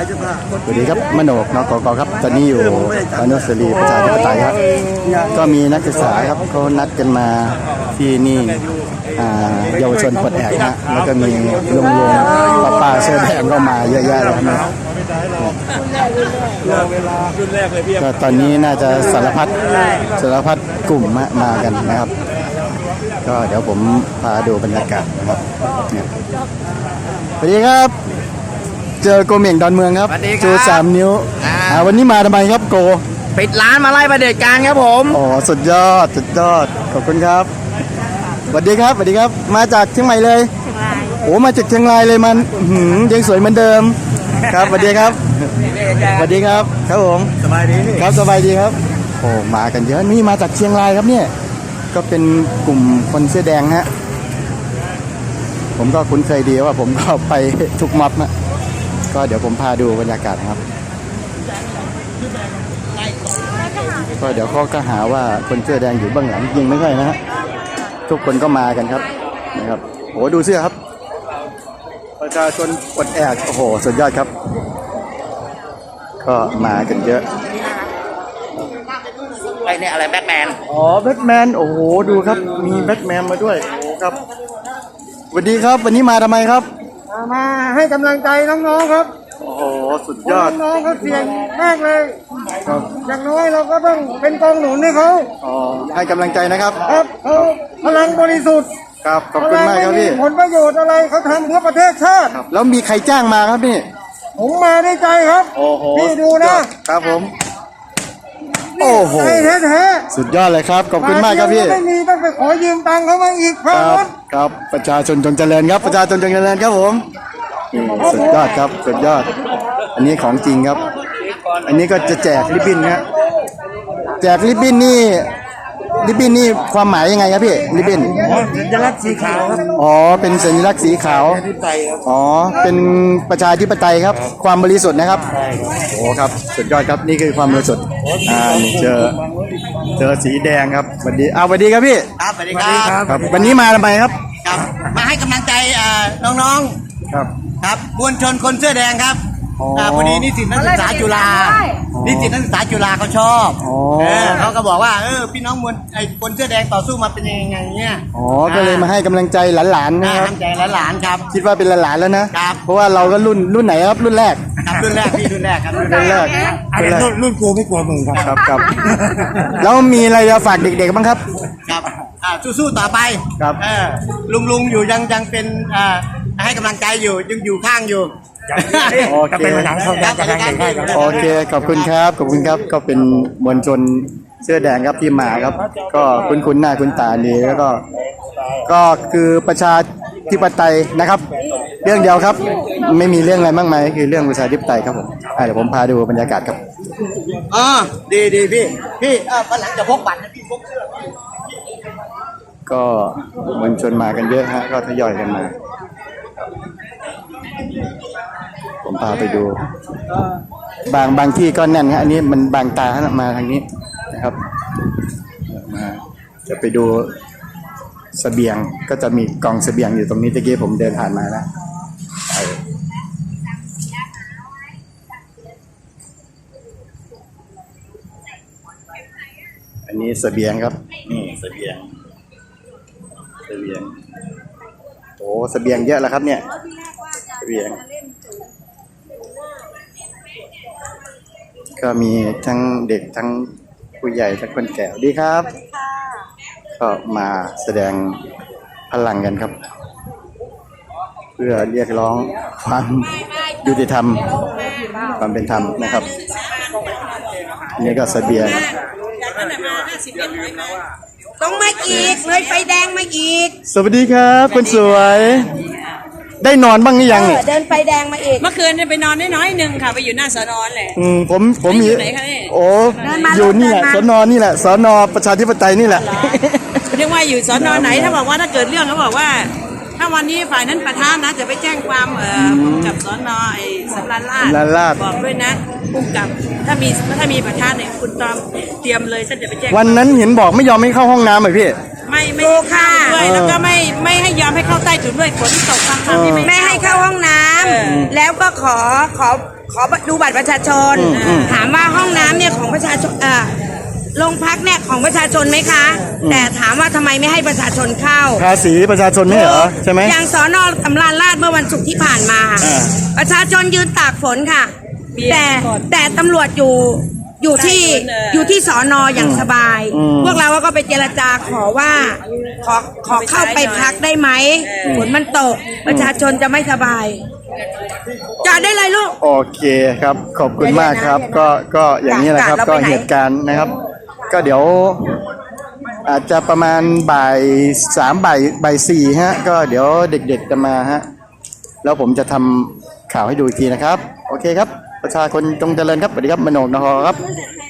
สวัสดีครับมโนกนกกครับตอนนี้อยู่อนุสาวรีย์ประชาธิปไตยครับก็มีนักศึกษาครับเขานัดกันมาที่นี่เยาวชนปลดแอกนะแล้วก็มีลุงป้าเสื้อแดงก็มาเยอะแยะเลยนะก็ตอนนี้น่าจะสารพัดกลุ่มมากันนะครับก็เดี๋ยวผมพาดูบรรยากาศนะครับสวัสดีครับเจอโกเหม่งดอนเมืองครับจู3 นิ้ววันนี้มาทำไมครับโกปิดร้านมาไล่ประเด็จการครับผมอ๋อสุดยอดขอบคุณครับสวัสดีครับมาจากเชียงใหม่เลยโอ้มาจากเชียงรายเลยมันยังสวยเหมือนเดิมครับสวัสดีครับครับผมสบายดีครับสบายดีครับโอ้มากันเยอะนี่มาจากเชียงรายครับเนี่ยก็เป็นกลุ่มคนเสื้อแดงฮะผมก็คุ้นเคยดีว่าผมก็ไปทุกม็อบนะก็เดี๋ยวผมพาดูบรรยากาศครับก็เดี๋ยวเขาก็หาว่าคนเสื้อแดงอยู่เบื้องหลังจริงไม่ใช่นะฮะทุกคนก็มากันครับนะครับโอ้ดูเสื้อครับประชาชนปลดแอกโอ้โหสุดยอดครับก็มากันเยอะไอ้นี่อะไรแบ็คแมนอ๋อแบ็คแมนโอ้โหดูครับมีแบ็คแมนมาด้วยโอ้ครับสวัสดีครับวันนี้มาทำไมครับมาให้กำลังใจน้องๆครับโอ้โหสุดยอดน้องๆเขาเสี่ยงมากเลยอย่างน้อยเราก็ต้องเป็นกองหนุนให้เขาอ๋อให้กำลังใจนะครับครับเขาพลังบริสุทธิ์ครับขอบคุณมากครับพี่ผลประโยชน์อะไรเขาทำเพื่อประเทศชาติแล้วมีใครจ้างมาครับพี่ผมมาได้ใจครับโอ้โหพี่ดูนะครับผมโอ้โหแท้สุดยอดเลยครับขอบคุณมากครับพี่ไม่มีต้องไปขอยืมตังค์เขามาอีกครับประชาชนจงเจริญครับประชาชนจงเจริญครับผมสุดยอดครับสุดยอดอันนี้ของจริงครับอันนี้ก็จะแจกริบบิ้นครับแจกริบบิ้นนี่ความหมายยังไงครับพี่ริบบิ้นสัญลักษณ์สีขาวครับอ๋อเป็นสัญลักษณ์สีขาวอ๋อเป็นประชาธิปไตยครับความบริสุทธิ์นะครับโอ้ครับสุดยอดครับนี่คือความบริสุทธิ์เจอสีแดงครับสวัสดีสวัสดีครับพี่ครับสวัสดีครับวันนี้มาทำไมครับมาให้กำลังใจน้องๆครับมวลชนคนเสื้อแดงครับพอดีนิสิตนักศึกษาจุฬาเขาชอบเขาก็บอกว่าพี่น้องมวลคนเสื้อแดงต่อสู้มาเป็นยังไงเนี่ยอ๋อก็เลยมาให้กำลังใจหลานๆนะครับกำลังใจหลานๆครับคิดว่าเป็นหลานๆแล้วนะครับเพราะว่าเราก็รุ่นไหนครับรุ่นแรกครับรุ่นแรกครับรุ่นแรกรุ่นกูไม่กลัวมึงครับแล้วมีอะไรจะฝากเด็กๆบ้างครับครับสู้ๆต่อไปครับลุงอยู่ยังเป็นให้กำลังใจยังอยู่ข้างอยู่โอเคโอเคขอบคุณครับก็เป็นมวลชนเสื้อแดงครับที่มาครับก็คุ้นหน้าคุ้นตาดีแล้วก็คือประชาธิปไตยนะครับเรื่องเดียวครับไม่มีเรื่องอะไรมากมายคือเรื่องประชาธิปไตยครับผมเดี๋ยวผมพาดูบรรยากาศครับดีพี่วันหลังจะพกบัตรนะพี่พกเสื้อก็มวลชนมากันเยอะฮะก็ทยอยกันมาผมพาไปดูบางที่ก็แน่นฮะอันนี้มันบางตามาทางนี้นะครับมาจะไปดูเสบียงก็จะมีกองเสบียงอยู่ตรงนี้ตะกี้ผมเดินผ่านมาแล้วอันนี้เสบียงครับนี่เสบียงโอ้เสบียงเยอะแล้วครับเนี่ยเสบียงก็มีทั้งเด็กทั้งผู้ใหญ่ทั้งคนแก่ดีครับก็มาแสดงพลังกันครับเพื่อเรียกร้องความยุติธรรมความเป็นธรรมนะครับนี่ก็เสบียงต้องมาอีกเลยไฟแดงมาอีกสวัสดีครับคนสวยได้นอนบ้างหรือยังเนี่ยเดินไฟแดงมาอีกเมื่อคืนไปนอนน้อยนึงค่ะไปอยู่หน้าสนแหละผมอยู่ไหนคะนี่โอ้อยู่นี่แหละสนนี่แหละสนประชาธิปไตยนี่แหละเรียกว่าอยู่สนไหนถ้าบอกว่าถ้าเกิดเรื่องเขาบอกว่าถ้าวันนี้ฝ่ายนั้นประธานนะจะไปแจ้งความกับสนสำราญราษฎร์บอกด้วยนะพุ่งกับถ้ามีประธานเนี่ยคุณตอมเตรียมเลยฉันจะไปแจ้งวันนั้นเห็นบอกไม่ยอมให้เข้าห้องน้ำเลยพี่ไม่เข้าด้วยแล้วก็ไม่ให้ยอมให้เข้าใต้ถุนด้วยฝนตกทำที่ไม่ให้เข้าห้องน้ำแล้วก็ขอขอดูบัตรประชาชน ถามว่าห้องน้ำเนี่ยของประชาชนโรงพักเนี่ยของประชาชนไหมคะ แต่ถามว่าทำไมไม่ให้ประชาชนเข้าภาษีประชาชนไม่เหรอใช่ไหมอย่างสน.สำราญราษฎร์เมื่อวันศุกร์ที่ผ่านมา ประชาชนยืนตากฝนค่ะ แต่ตำรวจอยู่ที่สน.อย่างสบาย พวกเราก็ไปเจรจาขอว่าขอเข้าไปพักได้ไหมฝนมันตกประชาชนจะไม่สบายจอดได้เลยลูกโอเคครับขอบคุณมากครับก็อย่างนี้แหละครับก็เหตุการณ์นะครับ ก็เดี๋ยวอาจจะประมาณบ่าย 3บ่าย 4ฮะก็เดี๋ยวเด็กๆจะมาฮะแล้วผมจะทำข่าวให้ดูอีกทีนะครับโอเคครับประชาชนจงเจริญครับสวัสดีครับมโนกนครครับ